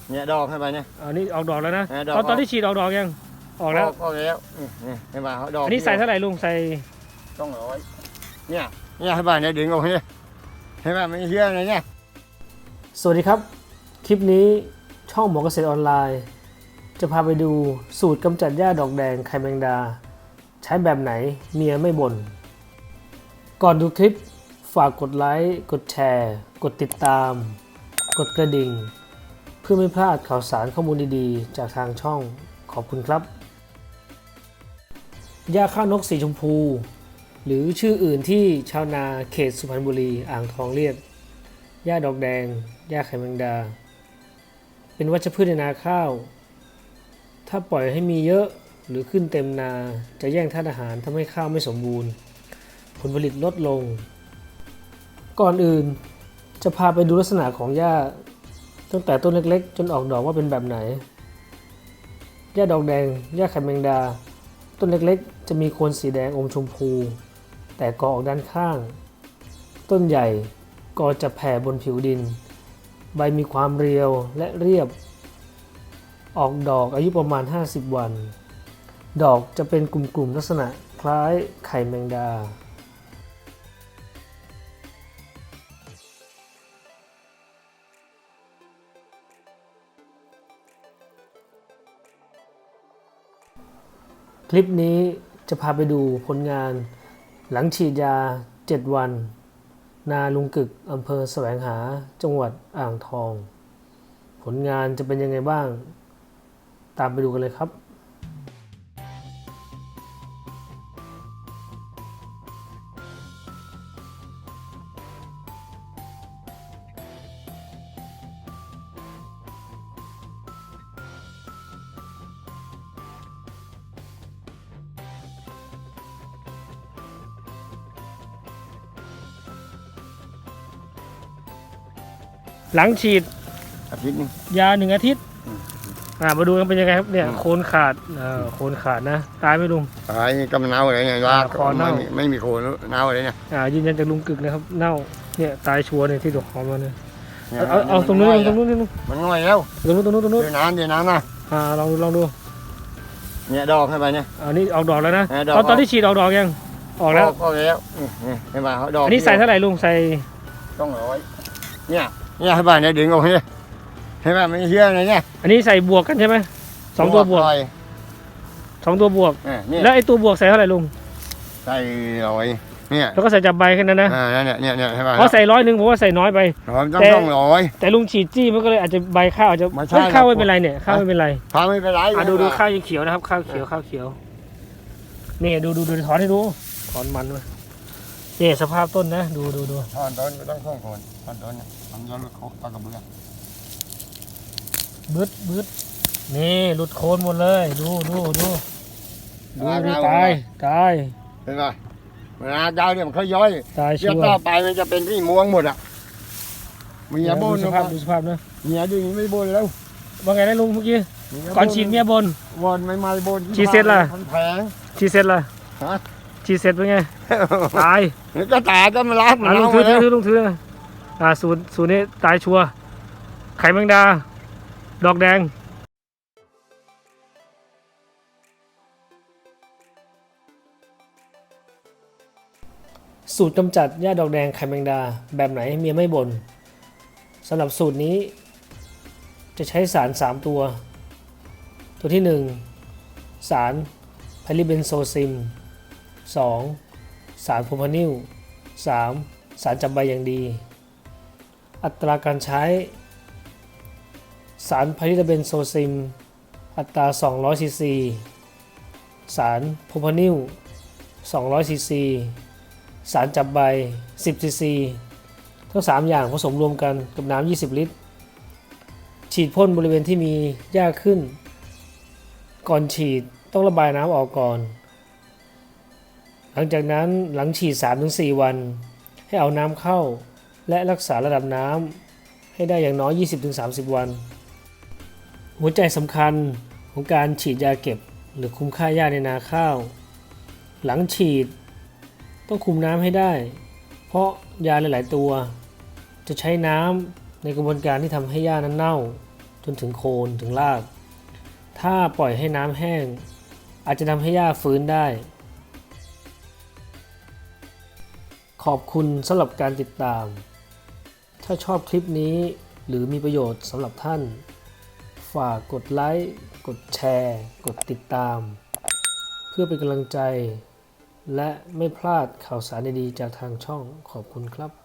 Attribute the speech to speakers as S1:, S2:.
S1: เนี่ยดอกให้ไปเนี่ย
S2: อันนี้ออกดอกแล้วนะ
S1: ดอก
S2: ตอนที่ฉีดออกดอกยังออกแล้ว
S1: ออกแล้วให้มาดอก
S2: อันนี้ใส่เท่าไหร่ลุงใส่
S1: 200เนี่ยให้ไปเนี่ยดึงออกเนี่ยให้มาไม่เชื่อเลยเนี่ย
S2: สวัสดีครับคลิปนี้ช่องหมอเกษตรออนไลน์จะพาไปดูสูตรกำจัดหญ้าดอกแดงไข่แมงดาใช้แบบไหนเมียไม่บ่นก่อนดูคลิปฝากกดไลค์กดแชร์กดติดตามกดกระดิ่งเพื่อไม่พลาดข่าวสารข้อมูลดีๆจากทางช่องขอบคุณครับหญ้าข้าวนกสีชมพูหรือชื่ออื่นที่ชาวนาเขตสุพรรณบุรีอ่างทองเรียกหญ้าดอกแดงหญ้าไข่แมงดาเป็นวัชพืชในนาข้าวถ้าปล่อยให้มีเยอะหรือขึ้นเต็มนาจะแย่งธาตุอาหารทำให้ข้าวไม่สมบูรณ์ผลผลิตลดลงก่อนอื่นจะพาไปดูลักษณะของหญ้าตั้งแต่ต้นเล็กๆจนออกดอกว่าเป็นแบบไหนหญ้าดอกแดงหญ้าไข่แมงดาต้นเล็กๆจะมีโคนสีแดงอมชมพูแต่กอออกด้านข้างต้นใหญ่กอจะแผ่บนผิวดินใบมีความเรียวและเรียบออกดอกอายุประมาณ50วันดอกจะเป็นกลุ่มๆลักษณะคล้ายไข่แมงดาคลิปนี้จะพาไปดูผลงานหลังฉีดยา7วันนาลุงกึกอำเภอแสวงหาจังหวัดอ่างทองผลงานจะเป็นยังไงบ้างตามไปดูกันเลยครับหลังฉีด
S1: อาทิตย์นึง
S2: ยา1 อาทิตย์มาดูกันเป็นยังไงครับเนี่ยโคนขาดโคนขาดนะตายไหมลุง
S1: ตายก็มันเน่าอะไรเนี่ยว่าคอเน่าไม่มีโคนเน่าอะไรเนี่ย
S2: ยืนยันจากลุงกึกนะครับเน่าเนี่ยตายชัวร์เนี่ยที่ดอกหอมมาเนี่ยเอาตรงนู้นนี่ลุง
S1: มันง่อยแล้ว
S2: ตรงนู้นเดี๋
S1: ยวน้ำนะ
S2: ลองดู
S1: เนี่ยดอกให้ไปเนี่ย
S2: อันนี้ออกดอกแล้วนะตอนที่ฉีดออกดอกยังออกแล้ว
S1: ให้มาดอก
S2: อันนี้ใส่เท่าไหร่ลุงใส่
S1: 200เนี่ยให้ไปเนี่ยดึงออกเนี่ยให้มาไม่เชื่อเลยเนี่ย
S2: อันนี้ใส่บวกกันใช่ไหม2 ตัวบวก2 ตัวบวกแล้วไอ้ตัวบวกใส่เท่าไหร่ลุง
S1: ใส่100เนี่ย
S2: แล้วก็ใส่จับใบแค่นั้นนะ
S1: เนี่ยให้มา
S2: เพราะใส่100ผมว่าใส่น้อยไป
S1: ต้อง100
S2: แต่ลุงฉีดจี้มันก็เลยอาจจะใบข้าวอาจจะข้าวไม่เป็นไรเนี่ยข้าวไม่เป็นไร
S1: ไม่เป็นไร
S2: ดูข้าวยังเขียวนะครับข้าวเขียวนี่ดูถอนให้ดูถอนมันด้วยนี่สภาพต้นนะดู
S1: ถอนต้นไม่ต้องส่งโคนถอนต้นทำย้อนเขาตะกระเบื้อง
S2: บึดนี่หลุดโคนหมดเลยดูตาย
S1: เห็นไหมเวลาดาวเนี่ยมันเขาย้อย
S2: ตายชัวร์
S1: ต่อไปมันจะเป็นที่ม่วงหมดอ่ะเมียบน
S2: ดูสภาพนะ
S1: เมียดึงไม่บนแล้ว
S2: ว่าไงนะลุงเมื่อกี้ก่อนฉีดเมียบน
S1: ไม่บน
S2: ฉีดเสร็จล่ะ
S1: แพง
S2: ฉีดเสร็จล่ะฉีดเสร็จเป็นไงตาย
S1: ก็ตายก็มาล้าง
S2: ลุงถือสูตรนี้ตายชัวร์ไข่แมงดาดอกแดงสูตรกำจัดหญ้าดอกแดงไข่แมงดาแบบไหนเมียไม่บ่นสำหรับสูตรนี้จะใช้สาร3ตัวที่1สารไพลิเบนโซซิม2สารโพรพานิล3สารจับใบอย่างดีอัตราการใช้สารไพลิเบนโซซิมอัตรา200 ซีซีสารโพรพานิล200 ซีซีสารจับใบ10 ซีซีทั้ง3อย่างผสมรวมกันกับน้ำ20 ลิตรฉีดพ่นบริเวณที่มีหญ้าขึ้นก่อนฉีดต้องระบายน้ำออกก่อนหลังจากนั้นหลังฉีด 3-4 วันให้เอาน้ำเข้าและรักษาระดับน้ำให้ได้อย่างน้อย 20-30 วันหัวใจสำคัญของการฉีดยาเก็บหรือคุมค่าหญ้าในนาข้าวหลังฉีดต้องคุมน้ำให้ได้เพราะยาหลายๆตัวจะใช้น้ำในกระบวนการที่ทำให้หญ้านั้นเน่าจนถึงโคนถึงราก ถ้าปล่อยให้น้ำแห้งอาจจะทำให้หญ้าฟื้นได้ ขอบคุณสำหรับการติดตาม ถ้าชอบคลิปนี้หรือมีประโยชน์สำหรับท่าน ฝากกดไลค์ กดแชร์ กดติดตาม เพื่อเป็นกำลังใจ และไม่พลาดข่าวสารดีๆจากทางช่องขอบคุณครับ